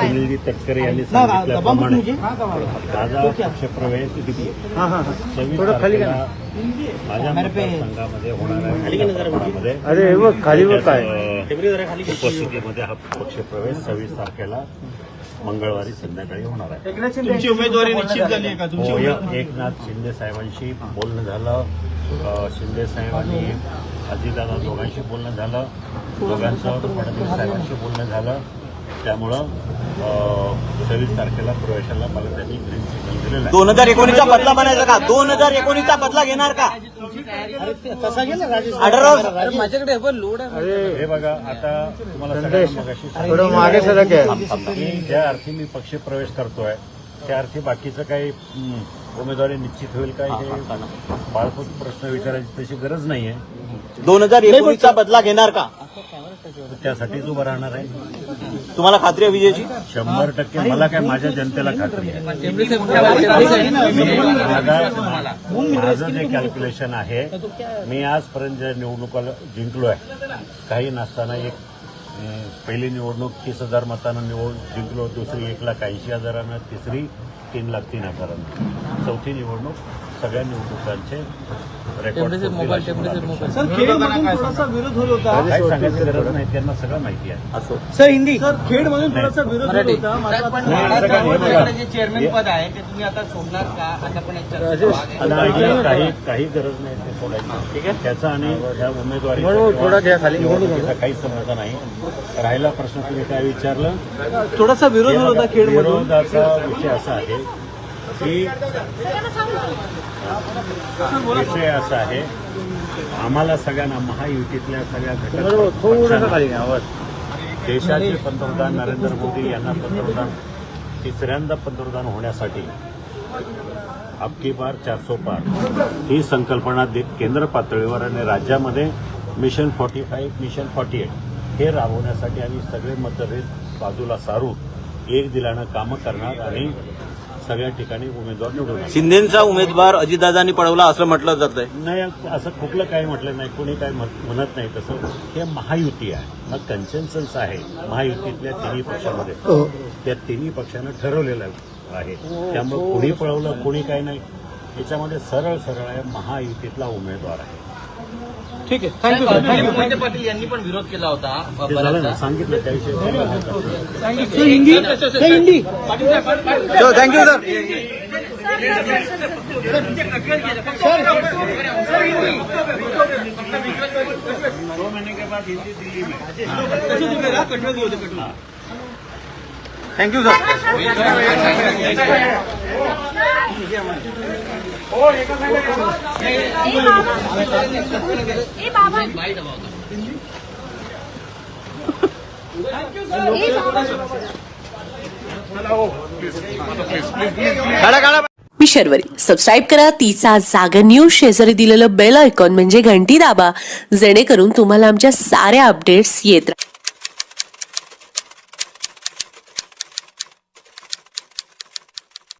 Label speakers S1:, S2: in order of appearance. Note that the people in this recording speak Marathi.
S1: सुनीलजी तटकरे यांनी सांगितल्याप्रमाणे माझा पक्षप्रवेश 26 तारखेला माझ्या मतदारसंघामध्ये होणाऱ्या उपस्थितीमध्ये हा पक्षप्रवेश 26 तारखेला मंगळवारी संध्याकाळी होणार आहे.
S2: तुमची उमेदवारी निश्चित झाली आहे का? तुमची
S1: एकनाथ शिंदे साहेबांशी बोलणं झालं. शिंदे साहेबांनी अजितदादा दोघांशी बोलणं झालं. दोघांचं फडणवीस साहेबांशी बोलणं झालं. त्यामुळं 26 तारखेला प्रवेशाला मला त्यांनी ग्रीन सिग्नल दिलेला आहे.
S3: 2019चा बदला बनायचा का? 2019चा बदला घेणार का? माझ्याकडे लोड आहे.
S1: हे बघा, आता तुम्हाला ज्या अर्थी मी पक्ष प्रवेश करतोय त्या अर्थी बाकीचं काही उमेदवारी निश्चित होईल काय हे बाळपूत प्रश्न विचारायची तशी गरज नाहीये.
S3: 2019चा बदला घेणार का?
S1: त्यासाठीच उभं राहणार आहे.
S3: तुम्हाला खात्री आहे विजयची?
S1: 100% मला काय, माझ्या जनतेला खात्री आहे. माझं जे कॅल्क्युलेशन आहे, मी आजपर्यंत ज्या निवडणुका जिंकलोय, काही नसताना पहिली निवडणूक 30,000 मतांना जिंकलो, दुसरी 1,80,000, तिसरी 3,03,000, चौथी निवडणूक सगळ्या निवडणुकांचे रेकॉर्ड.
S2: सर, खेडमधून थोडासा विरोध होत होता.
S1: काय सांगायची गरज नाही, त्यांना सगळं माहिती आहे.
S2: सर, हिंदी सर, खेडमधून थोडासा विरोध होत होता. चेअरमॅन पद आहे ते तुम्ही आता सोडणार का? आता पण
S1: काही गरज नाही ते सोडायची. ठीक आहे, त्याचा आणि या उमेदवारी निवडणुकीचा काही संबंध नाही. राहिला प्रश्न तुम्ही काय विचारलं,
S2: थोडासा विरोध होत होता खेडमधून.
S1: विरोधाचा विषय असा आहे की विषय असा आहे, आम्हाला सगळ्यांना महायुतीतल्या सगळ्या घटक देशाचे पंतप्रधान नरेंद्र मोदी यांना तिसऱ्यांदा पंतप्रधान होण्यासाठी अबकी बार 400 पार ही संकल्पना केंद्र पातळीवर आणि राज्यामध्ये मिशन 45, मिशन 48 हे राबवण्यासाठी आम्ही सगळे मतभेद बाजूला सारून एक दिलानं कामं करणार आणि सगळ्या ठिकाणी उमेदवार निवडून.
S3: शिंदेचा उमेदवार अजितदादांनी पळवला असं म्हटलं जात आहे.
S1: नाही, असं कुठलं काही म्हटलं नाही, कोणी काही म्हणत नाही तसं. हे महायुती आहे, हा कन्सेन्सस आहे महायुतीतल्या तिन्ही पक्षामध्ये. त्या तिन्ही पक्षानं ठरवलेलं आहे. त्यामुळे कोणी पळवलं कोणी काही नाही, याच्यामध्ये सरळ आहे, महायुतीतला उमेदवार आहे.
S2: ठीक आहे, थँक्यू. मोहिते पाटील यांनी पण विरोध केला होता.
S1: सांगितलं त्याविषयी.
S2: Hindi Hindi
S3: thank you sir.
S1: 2 महीने के बाद हिंदी दिल्ली में.
S3: Thank you sir.
S4: मी शर्वरी. सबस्क्राईब करा तिचा जागर न्यूज. शेजारी दिलेलं बेल आयकॉन म्हणजे घंटी दाबा, जेणेकरून तुम्हाला आमच्या साऱ्या अपडेट्स येत राहतील.